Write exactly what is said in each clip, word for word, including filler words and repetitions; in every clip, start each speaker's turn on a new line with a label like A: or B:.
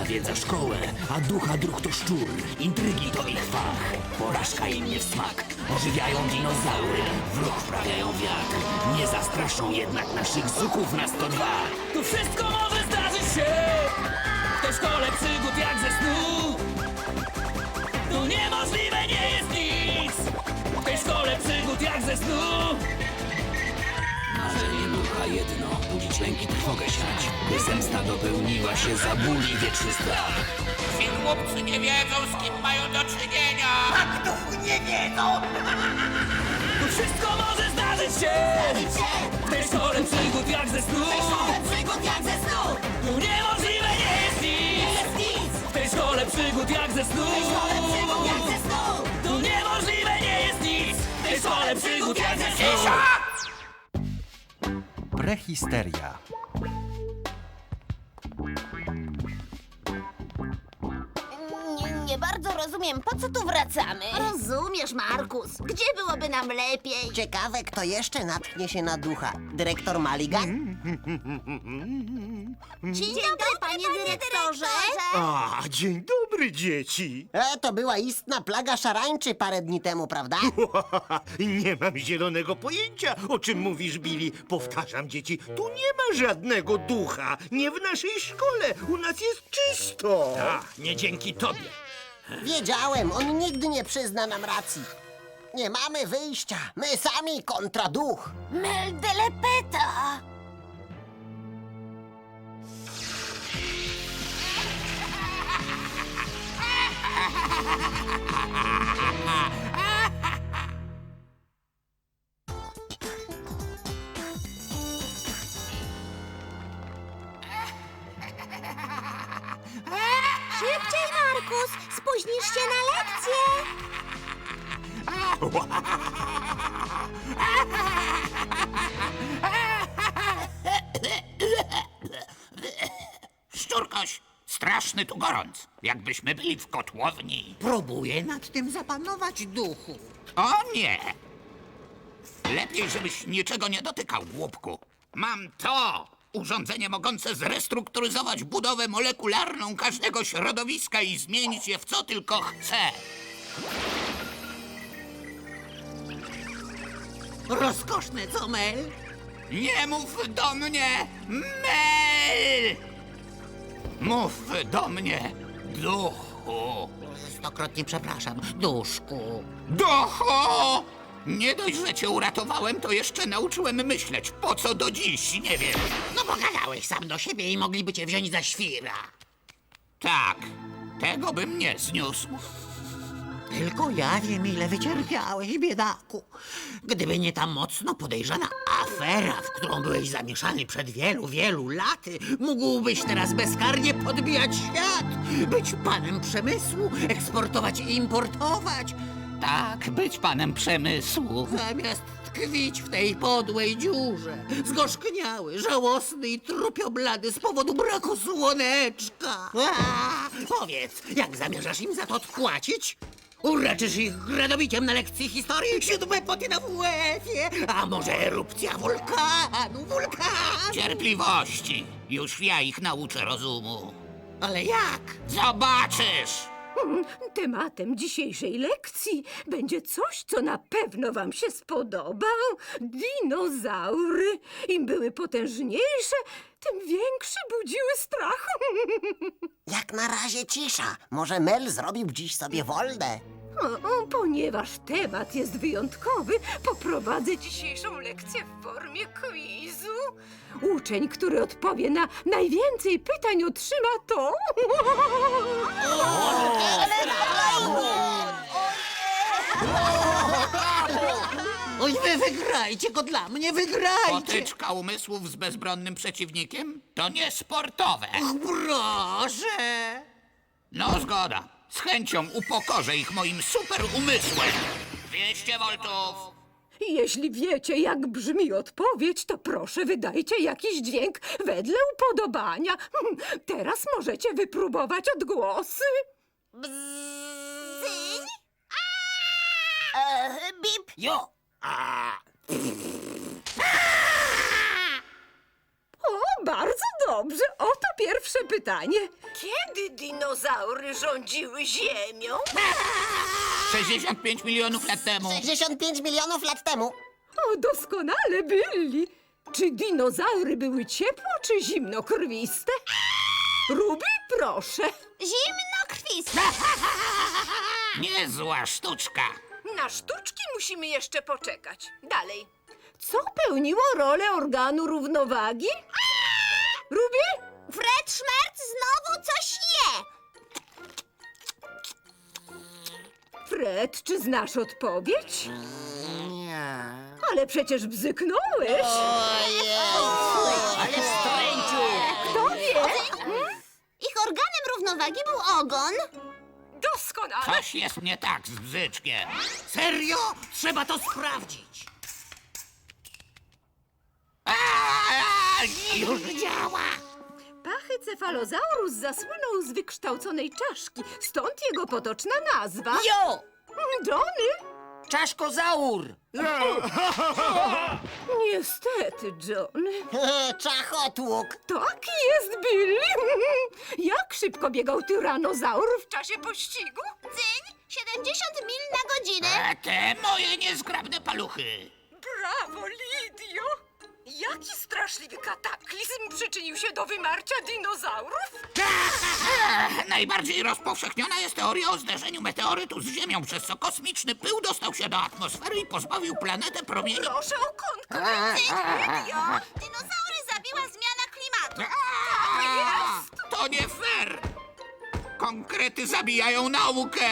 A: nawiedza szkołę, a ducha druh to szczur. Intrygi to ich fach, porażka im nie w smak. Ożywiają dinozaury, wróg wprawiają wiatr. Nie zastraszą jednak naszych zuchów na sto dwa.
B: Tu wszystko może zdarzyć się w tej szkole przygód jak ze snu. Tu niemożliwe nie jest nic w tej szkole przygód jak ze snu.
A: Marzenie ducha jedno, budzić lęk i trwogę siać. By zemsta dopełniła się, zabuli wieczny strach.
C: Ci chłopcy nie wiedzą, z kim mają do czynienia.
D: Tak, duchu nie wiedzą!
B: Tu wszystko może zdarzyć się w tej szkole przygód jak ze snu.
D: Przygód jak ze snu!
B: Tu niemożliwe nie jest nic
D: Jest nic!
B: w tej szkole przygód jak ze snu.
D: Przygód jak ze snu!
B: Tu niemożliwe nie jest nic w tej szkole przygód jak ze snu.
E: Prehisteria.
F: Nie, nie bardzo rozumiem, po co tu wracamy?
G: Rozumiesz, Markus. Gdzie byłoby nam lepiej?
H: Ciekawe, kto jeszcze natknie się na ducha. Dyrektor Mulligan?
G: Dzień dobry, panie dyrektorze.
I: A, dzień dobry, dzieci.
H: E, to była istna plaga szarańczy parę dni temu, prawda?
I: Nie mam zielonego pojęcia, o czym mówisz, Billy. Powtarzam, dzieci, tu nie ma żadnego ducha. Nie w naszej szkole. U nas jest czysto.
A: Tak, nie dzięki tobie.
H: Wiedziałem, on nigdy nie przyzna nam racji. Nie mamy wyjścia. My sami kontra duch.
F: Mel de Lepeta!
G: Szybciej, Markus. Spóźnisz się na lekcję.
C: Szczurkoś, straszny tu gorąc, jakbyśmy byli w kotłowni.
D: Próbuję nad tym zapanować, duchu.
C: O nie! Lepiej, żebyś niczego nie dotykał, głupku. Mam to! Urządzenie mogące zrestrukturyzować budowę molekularną każdego środowiska i zmienić je w co tylko chce.
D: Rozkoszne, co, Mel?
C: Nie mów do mnie, Mel! Mów do mnie, duchu.
D: Stokrotnie przepraszam, duszku.
C: Duchu! Nie dość, że cię uratowałem, to jeszcze nauczyłem myśleć. Po co do dziś, nie wiem.
D: No bo gadałeś sam do siebie i mogliby cię wziąć za świra.
C: Tak, tego bym nie zniósł.
D: Tylko ja wiem, ile wycierpiałeś, biedaku. Gdyby nie ta mocno podejrzana afera, w którą byłeś zamieszany przed wielu, wielu laty, mógłbyś teraz bezkarnie podbijać świat, być panem przemysłu, eksportować i importować,
C: Tak, być panem przemysłu.
D: zamiast tkwić w tej podłej dziurze, zgorzkniały, żałosny i trupioblady z powodu braku słoneczka. A, powiedz, jak zamierzasz im za to odpłacić? Uraczysz ich gradobiciem na lekcji historii, siódme poty na W F-ie, a może erupcja wulkanu, wulkan?
C: Cierpliwości. Już ja ich nauczę rozumu.
D: Ale jak?
C: Zobaczysz!
J: Tematem dzisiejszej lekcji będzie coś, co na pewno wam się spodoba. Dinozaury. Im były potężniejsze, tym większy budziły strach.
H: Jak na razie cisza. Może Mel zrobił dziś sobie wolne.
J: O, o, ponieważ temat jest wyjątkowy, poprowadzę dzisiejszą lekcję w formie quizu. Uczeń, który odpowie na najwięcej pytań, otrzyma to.
D: Oj, wy wygrajcie go dla mnie, wygrajcie!
C: Potyczka umysłów z bezbronnym przeciwnikiem to nie sportowe.
D: Proszę!
C: No zgoda. Z chęcią upokorzę ich moim super umysłem. dwieście voltów.
J: Jeśli wiecie, jak brzmi odpowiedź, to proszę wydajcie jakiś dźwięk wedle upodobania. Hmm, Teraz możecie wypróbować odgłosy.
G: Cyń? E, bip.
D: Jo!
J: O, bardzo dobrze. Oto pierwsze pytanie. Kiedy dinozaury rządziły Ziemią?
C: sześćdziesiąt pięć milionów lat temu.
H: sześćdziesiąt pięć milionów lat temu.
J: O, doskonale, Billy. Czy dinozaury były ciepło czy zimnokrwiste? Ruby, proszę.
F: Zimnokrwiste.
C: Niezła sztuczka.
J: Na sztuczki musimy jeszcze poczekać. Dalej. Co pełniło rolę organu równowagi? Ruby?
F: Fred Szmerc znowu coś je.
J: Fred, czy znasz odpowiedź?
H: Nie.
J: Ale przecież bzyknąłeś.
C: Ale wstręciu.
J: Kto wie?
F: Ich organem równowagi był ogon.
J: Doskonale.
C: Coś jest nie tak z bzyczkiem.
D: Serio? Trzeba to sprawdzić.
C: A, już działa.
J: Pachycefalozaurus zasłynął z wykształconej czaszki, stąd jego potoczna nazwa.
D: Jo!
J: Johnny?
D: Czaszkozaur!
J: Niestety, Johnny.
H: Czachotłuk.
J: Tak jest, Billy. Jak szybko biegał tyranozaur w czasie pościgu?
F: Cyń, siedemdziesiąt mil na godzinę.
C: A te moje niezgrabne paluchy.
J: Brawo, Lidio! Jaki straszliwy kataklizm przyczynił się do wymarcia dinozaurów?
C: Ech, najbardziej rozpowszechniona jest teoria o zderzeniu meteorytu z Ziemią, przez co kosmiczny pył dostał się do atmosfery i pozbawił planetę promieni.
J: Proszę o kontkę.
F: Cyń, Lidio, dinozaury zabiła zmiana klimatu.
C: A, to nie fair! Konkrety zabijają naukę!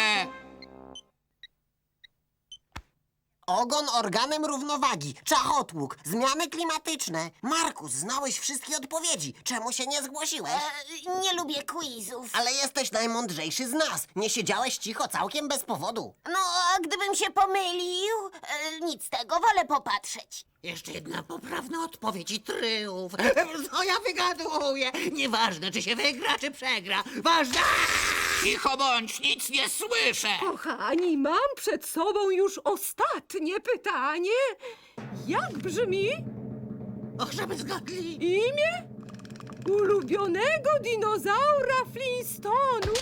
H: Ogon organem równowagi. Czachotłuk. Zmiany klimatyczne. Markus, znałeś wszystkie odpowiedzi. Czemu się nie zgłosiłeś?
F: E, nie lubię quizów.
H: Ale jesteś najmądrzejszy z nas. Nie siedziałeś cicho całkiem bez powodu.
F: No, a gdybym się pomylił, e, nic z tego, wolę popatrzeć.
D: Jeszcze jedna poprawna odpowiedź i tryumf. Co ja wygaduję? Nieważne, czy się wygra, czy przegra. Ważne...
C: Cicho bądź, nic nie słyszę!
J: Kochani, mam przed sobą już ostatnie pytanie. Jak brzmi
D: Och, żeby zgadli.
J: imię ulubionego dinozaura Flintstone'ów?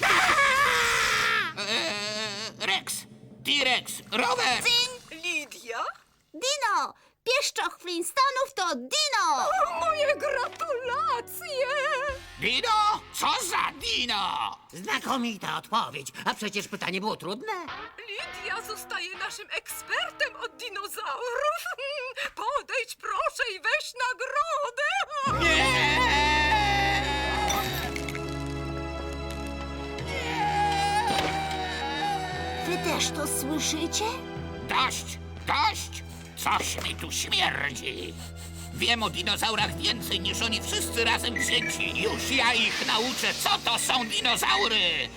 C: Eee, Rex, T-Rex, Rower!
F: Cyń,
J: Lidia?
F: Dino! Pieszczoch Flintstonów to Dino!
J: O, moje gratulacje!
C: Dino? Co za dino?
D: Znakomita odpowiedź. A przecież pytanie było trudne.
J: Lidia zostaje naszym ekspertem od dinozaurów. Podejdź proszę i weź nagrodę.
F: Wy też to słyszycie?
C: Dość, dość! Coś mi tu śmierdzi. Wiem o dinozaurach więcej niż oni wszyscy razem wzięci. Już ja ich nauczę, co to są dinozaury!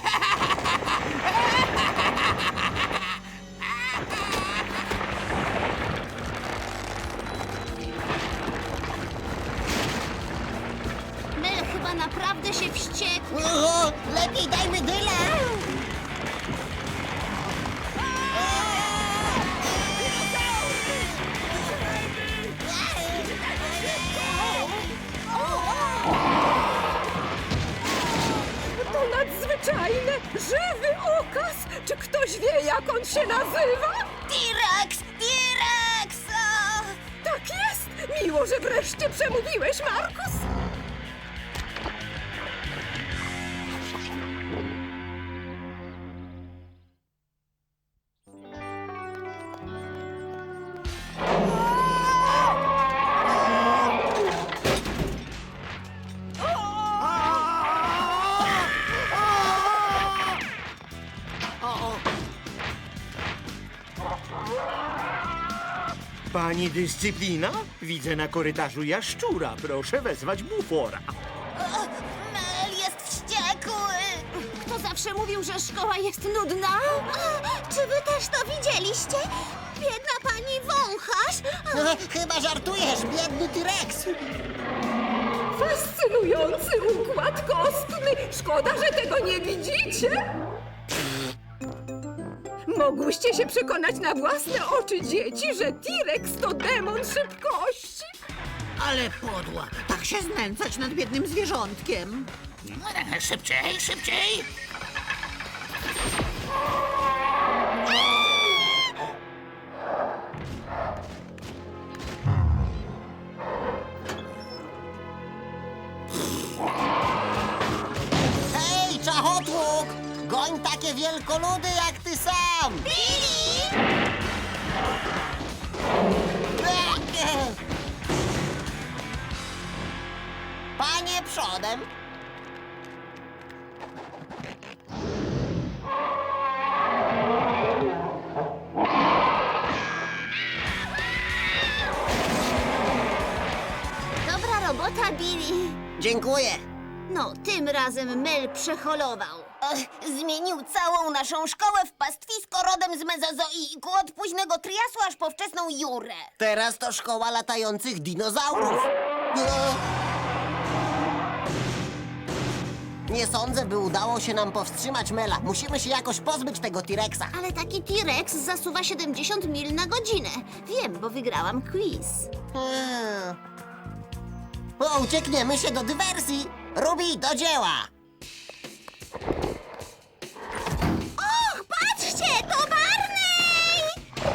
F: Mel chyba naprawdę się wściekł.
H: O, lepiej dajmy dyle.
J: To nadzwyczajne, żywy okaz. Czy ktoś wie, jak on się nazywa?
F: T-Rex! T-Rex! O!
J: Tak jest! Miło, że wreszcie przemówiłeś, Markus.
I: Pani dyscyplina? Widzę na korytarzu jaszczura. Proszę wezwać bufora.
F: Mel jest wściekły! Kto zawsze mówił, że szkoła jest nudna? Czy wy też to widzieliście? Biedna pani wąchasz!
H: Chyba żartujesz, biedny T-Rex.
J: Fascynujący układ kostny. Szkoda, że tego nie widzicie. Mogłyście się przekonać na własne oczy, dzieci, że T-Rex to demon szybkości.
D: Ale podła, tak się znęcać nad biednym zwierzątkiem.
C: Szybciej, szybciej!
H: Hej, czachotłuk! Goń takie wielkoludy jak ty sam!
G: Billy!
H: Panie przodem!
F: Dobra robota, Billy.
H: Dziękuję.
F: No, tym razem Mel przeholował. Zmienił całą naszą szkołę w pastwisko rodem z mezozoiku, od późnego triasu aż po wczesną jurę.
H: Teraz to szkoła latających dinozaurów. E. Nie sądzę, by udało się nam powstrzymać Mela. Musimy się jakoś pozbyć tego T-Rexa.
F: Ale taki T-Rex zasuwa siedemdziesiąt mil na godzinę. Wiem, bo wygrałam quiz.
H: Hmm. O, uciekniemy się do dywersji. Ruby, do dzieła!
G: Och, patrzcie, to Barney!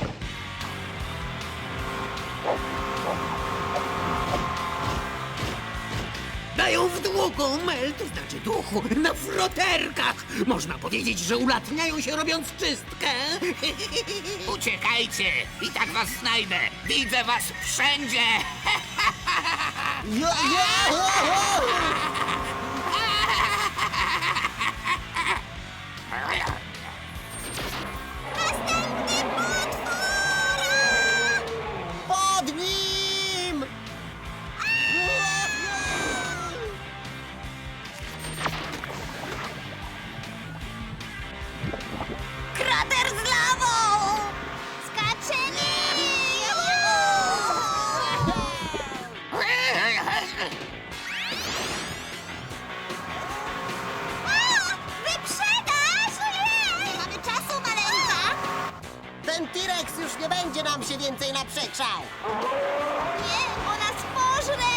D: Dają w długu, Mel, to znaczy duchu, na froterkach. Można powiedzieć, że ulatniają się robiąc czystkę.
C: Uciekajcie! I tak was znajdę! Widzę was wszędzie!
H: Ja, ja, ja, ja. Pod nim!
F: Krater z lawą!
G: Skaczymy! Wyprzedaż! Nie mamy czasu, maleńka!
H: Ten T-Rex już nie będzie nam się więcej naprzeczał.
G: Nie, bo nas pożre!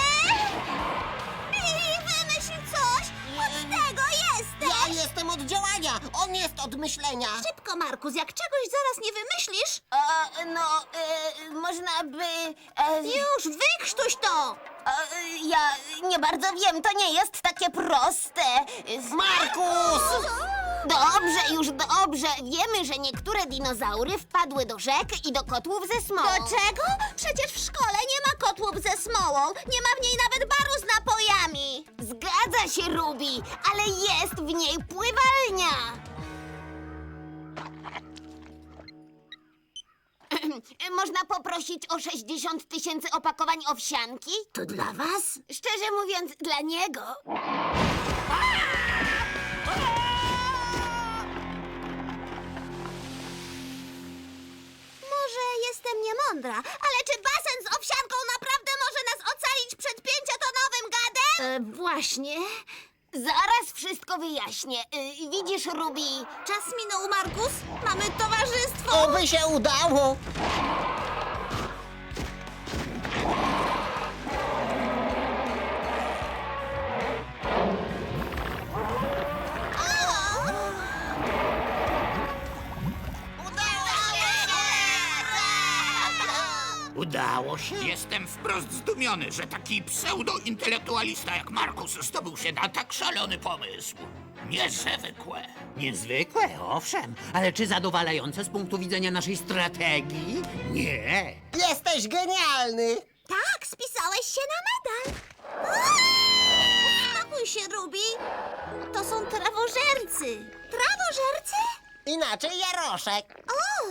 G: Billy, wymyśl coś! Od tego jesteś!
H: Ja jestem od działania, on jest od myślenia.
F: Szybko, Markus, jak czegoś zaraz nie wymyślisz... E, no, e, można by... E, Już, wykrztuś to! E, ja nie bardzo wiem, to nie jest takie proste.
H: Markus!
F: Dobrze, już dobrze. Wiemy, że niektóre dinozaury wpadły do rzek i do kotłów ze smołą.
G: Do czego? Przecież w szkole nie ma kotłów ze smołą. Nie ma w niej nawet baru z napojami.
F: Zgadza się, Ruby, ale jest w niej pływalnia. Można poprosić o sześćdziesiąt tysięcy opakowań owsianki? To dla was? Szczerze mówiąc, dla niego.
G: Może jestem niemądra, ale czy basen z owsianką naprawdę może nas ocalić przed pięciotonowym gadem?
F: E, właśnie. Zaraz wszystko wyjaśnię. E, widzisz, Ruby?
G: Czas minął, Markus. Mamy towarzystwo.
H: Oby się udało.
D: Udało się?
C: Jestem wprost zdumiony, że taki pseudointelektualista jak Markus zdobył się na tak szalony pomysł. Niezwykłe.
D: Niezwykłe, owszem, ale czy zadowalające z punktu widzenia naszej strategii? Nie.
H: Jesteś genialny.
G: Tak, spisałeś się na medal. Uspokój się, Ruby. To są trawożercy. Trawożercy?
H: Inaczej jaroszek.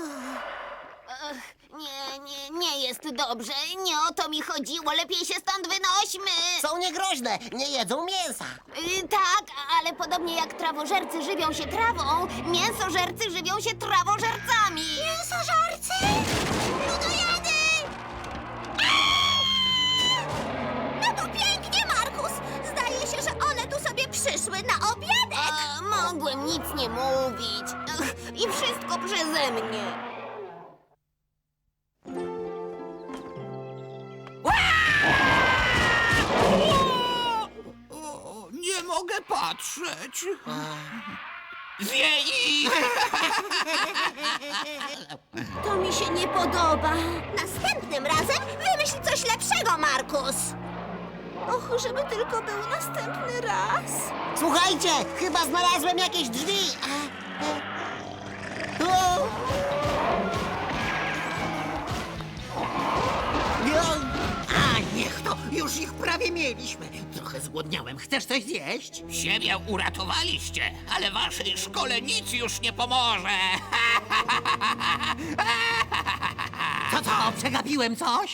F: Ech, nie, nie, nie jest dobrze. Nie o to mi chodziło. Lepiej się stąd wynośmy.
H: Są niegroźne, nie jedzą mięsa.
F: Y, tak, ale podobnie jak trawożercy żywią się trawą, mięsożercy żywią się trawożercami.
G: Mięsożercy? Ludojady! No to pięknie, Markus. Zdaje się, że one tu sobie przyszły na obiadek.
F: A, mogłem nic nie mówić. Ech, I wszystko przeze mnie.
B: Ła!
C: patrzeć. Zje ich!
G: To mi się nie podoba. Następnym razem wymyśl coś lepszego, Markus. Och, żeby tylko był następny raz.
H: Słuchajcie, chyba znalazłem jakieś drzwi. A, e, o!
D: A niech to, już ich prawie mieliśmy. Trochę zgłodniałem. Chcesz coś zjeść?
C: Siebie uratowaliście, ale waszej szkole nic już nie pomoże.
D: Co, co? Przegapiłem coś?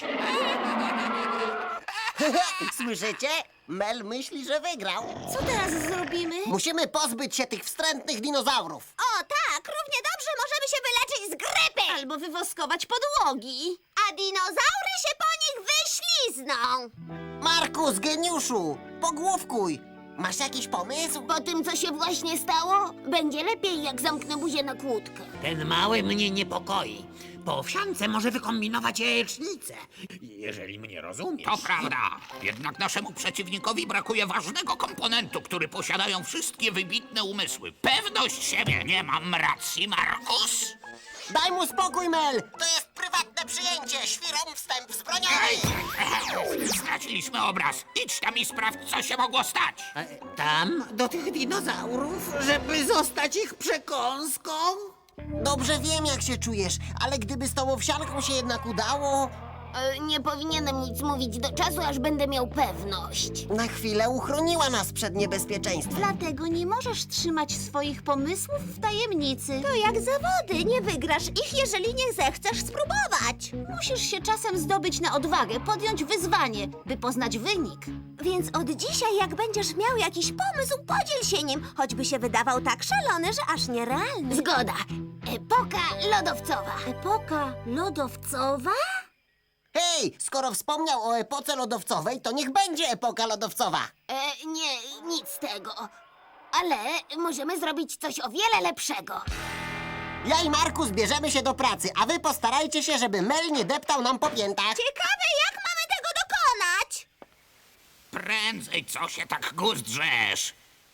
H: Słyszycie? Mel myśli, że wygrał.
G: Co teraz zrobimy?
H: Musimy pozbyć się tych wstrętnych dinozaurów.
G: O tak, równie dobrze możemy się wyleczyć z grypy. Albo wywoskować podłogi. A dinozaury się po nich wyślizną.
H: Markus, geniuszu, pogłówkuj. Masz jakiś pomysł?
F: Po tym, co się właśnie stało, będzie lepiej, jak zamknę buzię na kłódkę.
D: Ten mały mnie niepokoi. Po owsiance może wykombinować jajecznicę. Jeżeli mnie rozumiesz.
C: To prawda. Jednak naszemu przeciwnikowi brakuje ważnego komponentu, który posiadają wszystkie wybitne umysły. Pewność siebie. Nie mam racji, Markus?
H: Daj mu spokój, Mel. To jest prywatne przyjęcie. Świrom wstęp wzbroniony.
C: Ej, straciliśmy obraz. Idź tam i sprawdź, co się mogło stać.
D: E, Tam, do tych dinozaurów, żeby zostać ich przekąską?
H: Dobrze wiem, jak się czujesz, ale gdyby z tą owsianką się jednak udało...
F: E, nie powinienem nic mówić do czasu, aż będę miał pewność.
H: Na chwilę uchroniła nas przed niebezpieczeństwem.
G: Dlatego nie możesz trzymać swoich pomysłów w tajemnicy. To jak zawody, nie wygrasz ich, jeżeli nie zechcesz spróbować. Musisz się czasem zdobyć na odwagę, podjąć wyzwanie, by poznać wynik. Więc od dzisiaj, jak będziesz miał jakiś pomysł, podziel się nim, choćby się wydawał tak szalony, że aż nierealny.
F: Zgoda. Epoka lodowcowa.
G: Epoka lodowcowa?
H: Hej, skoro wspomniał o epoce lodowcowej, to niech będzie epoka lodowcowa.
F: E, nie, nic z tego. Ale możemy zrobić coś o wiele lepszego.
H: Ja i Markus bierzemy się do pracy, a wy postarajcie się, żeby Mel nie deptał nam po piętach.
G: Ciekawe, jak mamy tego dokonać.
C: Prędzej, co się tak guzdrzesz?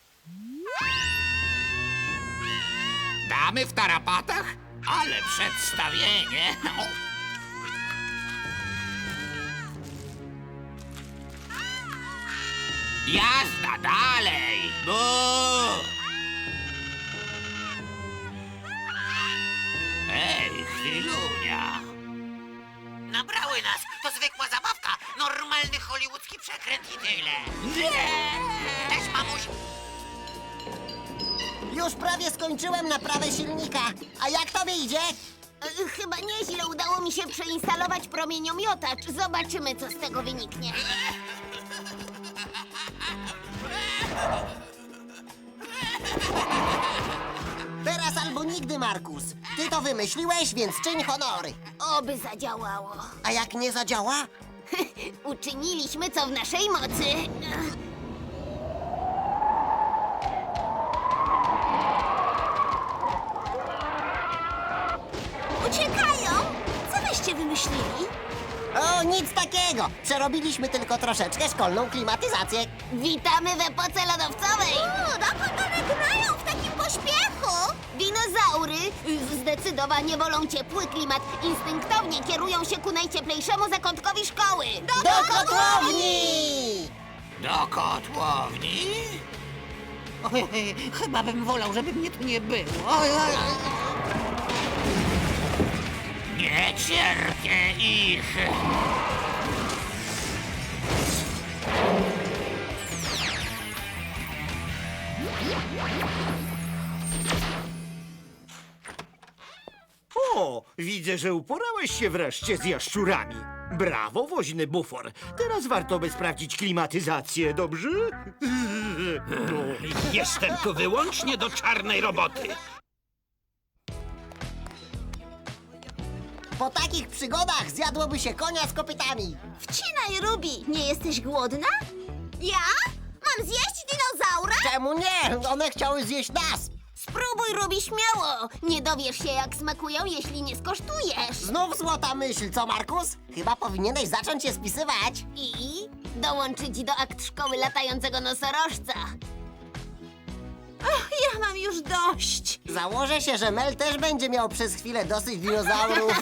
C: Damy w tarapatach? Ale przedstawienie! O. Jazda dalej! Bu! Ej, chwilunia!
D: Nabrały nas. To zwykła zabawka. Normalny hollywoodzki przekręt i tyle.
C: Nie!
D: Cześć, mamuś.
H: Już prawie skończyłem naprawę silnika. A jak tobie idzie?
F: E, chyba nieźle udało mi się przeinstalować promieniomiotacz. Zobaczymy, co z tego wyniknie.
H: Teraz albo nigdy, Markus. Ty to wymyśliłeś, więc czyń honory.
F: Oby zadziałało.
H: A jak nie zadziała?
F: Uczyniliśmy, co w naszej mocy.
G: Uciekają! Co wyście wymyślili?
H: O, nic takiego. Przerobiliśmy tylko troszeczkę szkolną klimatyzację.
F: Witamy w epoce lodowcowej!
G: O, dokąd one gnają w takim pośpiechu?
F: Dinozaury zdecydowanie wolą ciepły klimat. Instynktownie kierują się ku najcieplejszemu zakątkowi szkoły.
H: Do kotłowni!
C: Do kotłowni?
D: Oj, oj, chyba bym wolał, żeby mnie tu nie było. Oj, oj, oj.
C: Nie cierpię ich!
I: O, widzę, że uporałeś się wreszcie z jaszczurami. Brawo, woźny bufor. Teraz warto by sprawdzić klimatyzację, dobrze?
A: Jestem tu wyłącznie do czarnej roboty.
H: Po takich przygodach zjadłoby się konia z kopytami.
G: Wcinaj, Ruby! Nie jesteś głodna? Ja? Mam zjeść dinozaura?
H: Czemu nie? One chciały zjeść nas.
F: Spróbuj, Ruby, śmiało! Nie dowiesz się, jak smakują, jeśli nie skosztujesz.
H: Znów złota myśl, co, Markus? Chyba powinieneś zacząć je spisywać.
F: I dołączyć do akt szkoły latającego nosorożca.
G: Ja mam już dość.
H: Założę się, że Mel też będzie miał przez chwilę dosyć dinozaurów.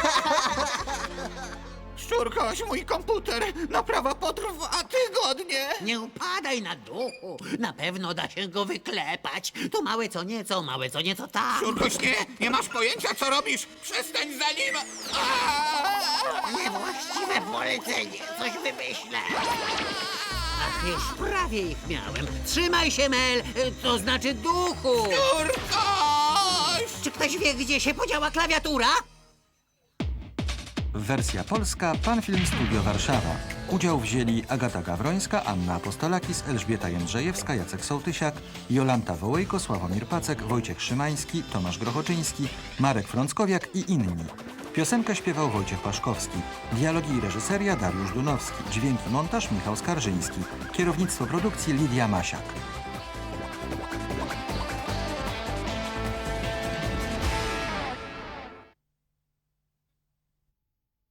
C: Szczurkoś, mój komputer, naprawa potrwa tygodnie.
D: Nie upadaj na duchu. Na pewno da się go wyklepać. To małe co nieco, małe co nieco tak.
C: Szczurkoś, nie, nie masz pojęcia, co robisz. Przestań za nim. Aaaa!
D: Niewłaściwe polecenie. Coś wymyślę. Ach, już prawie ich miałem. Trzymaj się, Mel, to znaczy duchu.
C: Szczurkoś!
D: Czy ktoś wie, gdzie się podziała klawiatura?
E: Wersja polska, Panfilm Studio Warszawa. Udział wzięli Agata Gawrońska, Anna Apostolakis, Elżbieta Jędrzejewska, Jacek Sołtysiak, Jolanta Wołejko, Sławomir Pacek, Wojciech Szymański, Tomasz Grochoczyński, Marek Frąckowiak i inni. Piosenkę śpiewał Wojciech Paszkowski. Dialogi i reżyseria Dariusz Dunowski. Dźwięki montaż Michał Skarżyński. Kierownictwo produkcji Lidia Masiak.